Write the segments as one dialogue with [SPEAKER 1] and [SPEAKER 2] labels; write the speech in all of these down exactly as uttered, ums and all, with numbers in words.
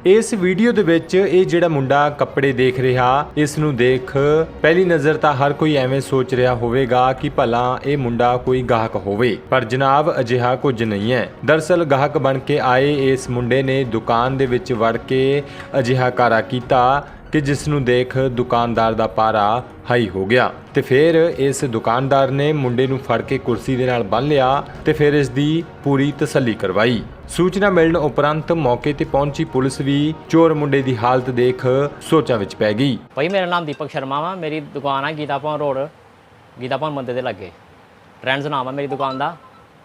[SPEAKER 1] इस वीडियो दे विच ये जिहड़ा मुंडा कपड़े देख रहा, इस नूं देख पहली नज़र तां हर कोई एवें सोच रहा होवेगा कि भला ये मुंडा कोई गाहक होवे, पर जनाब अजिहा कुछ नहीं है। दरअसल गाहक बन के आए इस मुंडे ने दुकान दे विच वड़ के अजिहा कारा कीता कि जिस नूं देख दुकानदार दा पारा हाई हो गया ते फिर इस दुकानदार ने मुंडे नूं फड़ के कुर्सी दे नाल बन लिया ते फिर इस दी पूरी तसल्ली करवाई। सूचना मिलण उपरंत मौके ते पहुंची पुलिस भी चोर मुंडे दी हालत देख सोचां विच पै गई।
[SPEAKER 2] भाई मेरा नाम दीपक शर्मा वा, मेरी दुकान है गीता भवन रोड, गीता भवन मंदिर दे लगे। ट्रेंड्स नाम है मेरी दुकान दा।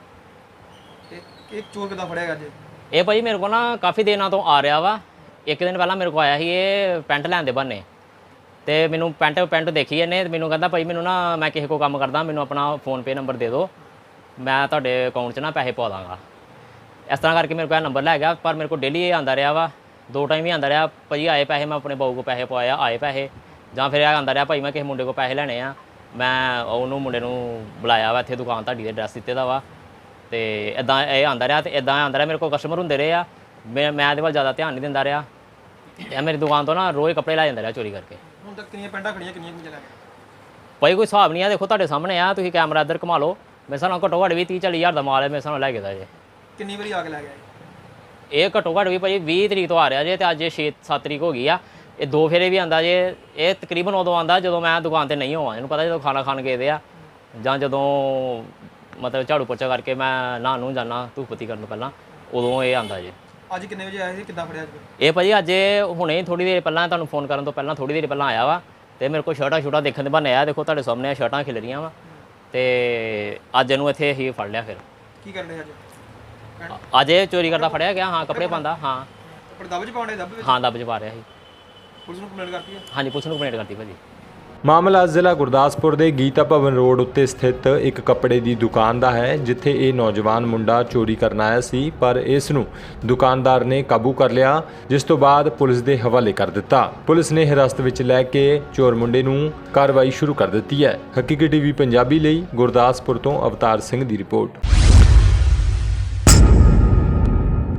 [SPEAKER 3] एक चोर किदा फड़िया अज?
[SPEAKER 2] ये भाई मेरे को ना काफ़ी दिनों तो आ रहा वा। एक दिन पहला मेरे को आया ही ये पैंट लैन दे बहाने ते मैनू पैंट पैंट देखी इन्हें मैनू कहता भाई मैनू ना मैं किसी को काम करदा, मैनू अपना फोन पे नंबर दे दो, मैं तुहाडे अकाउंट च ना पैसे पा दांगा। इस तरह करके मेरे को नंबर लै गया, पर मेरे को डेली ये आंदा रहा वा, दो टाइम ही आंदा रहा भाई आए पैसे, मैं अपने बहू को पैसे पवाया आए पैसे, जां फिर आंदा रहा भाई मैं किसी मुंडे को पैसे लैने आ, मैं उन्होंने मुंडे नूं बुलाया वा इत्थे दुकान तुहाडी दे एड्रैस दित्ते दा वा ते इदां ये आंदा रहा ते इदां आंदा रहा। मेरे को कस्टमर हुंदे रहे आ, मैं मैं इहदे वल ज़्यादा ध्यान नहीं दिंदा रहा। ਇਹ मेरी दुकान तो ना रोज़ कपड़े लै ਜਾਂਦਾ ਰਿਹਾ चोरी करके।
[SPEAKER 3] ਹੁਣ ਤੱਕ ਕਿੰਨੀਆਂ ਪੈਂਟਾਂ ਖੜੀਆਂ, ਕਿੰਨੀਆਂ ਕਿੰਨੀਆਂ ਲੈ ਗਏ?
[SPEAKER 2] ਭਾਈ ਕੋਈ ਹਿਸਾਬ ਨਹੀਂ ਆ, ਦੇਖੋ ਤੁਹਾਡੇ ਸਾਹਮਣੇ ਆ, ਤੁਸੀਂ ਕੈਮਰਾ ਇੱਧਰ ਘੁਮਾ ਲਓ, ਮੇਰੇ ਹਿਸਾਬ ਨਾਲ ਘੱਟੋ ਘੱਟ ਵੀ ਤੀਹ ਚਾਲੀ ਹਜ਼ਾਰ ਦਾ ਮਾਲ ਹੈ ਮੇਰੇ ਹਿਸਾਬ ਨਾਲ ਲੈ ਕੇ ਦਾ ਜੇ।
[SPEAKER 3] ਕਿੰਨੀ ਵਾਰੀ ਆ ਕੇ ਲੈ ਗਿਆ
[SPEAKER 2] ਇਹ ਘੱਟੋ ਘੱਟ ਵੀ ਭਾਈ ਵੀਹ ਤਰੀਕ ਤੋਂ ਆ ਰਿਹਾ ਜੇ ਤੇ ਅੱਜ ਛੇ ਸੱਤ ਤਰੀਕ ਹੋ ਗਈ ਆ। ਇਹ ਦੋ ਫੇਰੇ ਵੀ ਆਂਦਾ ਜੇ। ਇਹ ਤਕਰੀਬਨ ਉਦੋਂ ਆਂਦਾ ਜਦੋਂ ਮੈਂ ਦੁਕਾਨ ਤੇ ਨਹੀਂ ਹੋਵਾਂ, ਇਹਨੂੰ ਪਤਾ ਜਦੋਂ ਖਾਣਾ ਖਾਣ ਗਏ ਦੇ ਆ ਜਾਂ ਜਦੋਂ ਮਤਲਬ ਝਾੜੂ ਪੋਚਾ ਕਰਕੇ ਮੈਂ ਨਹਾਉਣ ਨੂੰ ਜਾਂਦਾ ਧੂਪ ਬੱਤੀ ਕਰਨ ਤੋਂ ਪਹਿਲਾਂ, ਉਦੋਂ ਇਹ ਆਂਦਾ ਜੇ।
[SPEAKER 3] ਅੱਜ ਕਿੰਨੇ ਵਜੇ ਆਇਆ ਸੀ, ਕਿੱਦਾਂ ਫੜਿਆ ਅੱਜ?
[SPEAKER 2] ਇਹ ਭਾਜੀ ਅੱਜ ਹੁਣੇ ਥੋੜੀ ਦੇਰ ਪਹਿਲਾਂ ਤੁਹਾਨੂੰ ਫੋਨ ਕਰਨ ਤੋਂ ਪਹਿਲਾਂ ਥੋੜੀ ਦੇਰ ਪਹਿਲਾਂ ਆਇਆ ਵਾ ਤੇ ਮੇਰੇ ਕੋਲ ਸ਼ਰਟਾਂ ਸ਼ੂਟਾਂ ਦੇਖਣ ਦੇ ਬਹਾਨੇ ਆਇਆ। ਦੇਖੋ ਤੁਹਾਡੇ ਸਾਹਮਣੇ ਸ਼ਰਟਾਂ ਖਿਲ ਰਹੀਆਂ ਵਾ ਤੇ ਅੱਜ ਇਹਨੂੰ ਇੱਥੇ ਹੀ ਫੜ ਲਿਆ। ਫਿਰ
[SPEAKER 3] ਕੀ ਕਰਨ ਡਿਆ ਅੱਜ?
[SPEAKER 2] ਅੱਜ ਇਹ ਚੋਰੀ ਕਰਦਾ ਫੜਿਆ ਗਿਆ। ਹਾਂ ਕੱਪੜੇ ਪਾਉਂਦਾ। ਹਾਂ
[SPEAKER 3] ਕੱਪੜੇ ਦੱਬ ਚ ਪਾਉਂਦੇ? ਦੱਬ ਵਿੱਚ?
[SPEAKER 2] ਹਾਂ ਦੱਬ ਚ ਪਾ ਰਿਹਾ ਸੀ।
[SPEAKER 3] ਪੁਲਿਸ ਨੂੰ ਕੰਪਲੇਂਟ ਕਰਤੀ ਹੈ?
[SPEAKER 2] ਹਾਂਜੀ ਪੁਲਿਸ ਨੂੰ ਕੰਪਲੇਂਟ ਕਰਤੀ ਭਾਜੀ।
[SPEAKER 1] ਮਾਮਲਾ ਜ਼ਿਲ੍ਹਾ ਗੁਰਦਾਸਪੁਰ ਦੇ ਗੀਤਾ ਭਵਨ ਰੋਡ ਉੱਤੇ ਸਥਿਤ ਇੱਕ ਕੱਪੜੇ ਦੀ ਦੁਕਾਨ ਦਾ ਹੈ, ਜਿੱਥੇ ਇਹ ਨੌਜਵਾਨ ਮੁੰਡਾ ਚੋਰੀ ਕਰਨ ਆਇਆ ਸੀ, ਪਰ ਇਸ ਨੂੰ ਦੁਕਾਨਦਾਰ ਨੇ ਕਾਬੂ ਕਰ ਲਿਆ, ਜਿਸ ਤੋਂ ਬਾਅਦ ਪੁਲਿਸ ਦੇ ਹਵਾਲੇ ਕਰ ਦਿੱਤਾ। ਪੁਲਿਸ ਨੇ ਹਿਰਾਸਤ ਵਿੱਚ ਲੈ ਕੇ ਚੋਰ ਮੁੰਡੇ ਨੂੰ ਕਾਰਵਾਈ ਸ਼ੁਰੂ ਕਰ ਦਿੱਤੀ ਹੈ। ਹਕੀਕੀ ਟੀਵੀ ਪੰਜਾਬੀ ਲਈ ਗੁਰਦਾਸਪੁਰ ਤੋਂ ਅਵਤਾਰ ਸਿੰਘ ਦੀ ਰਿਪੋਰਟ।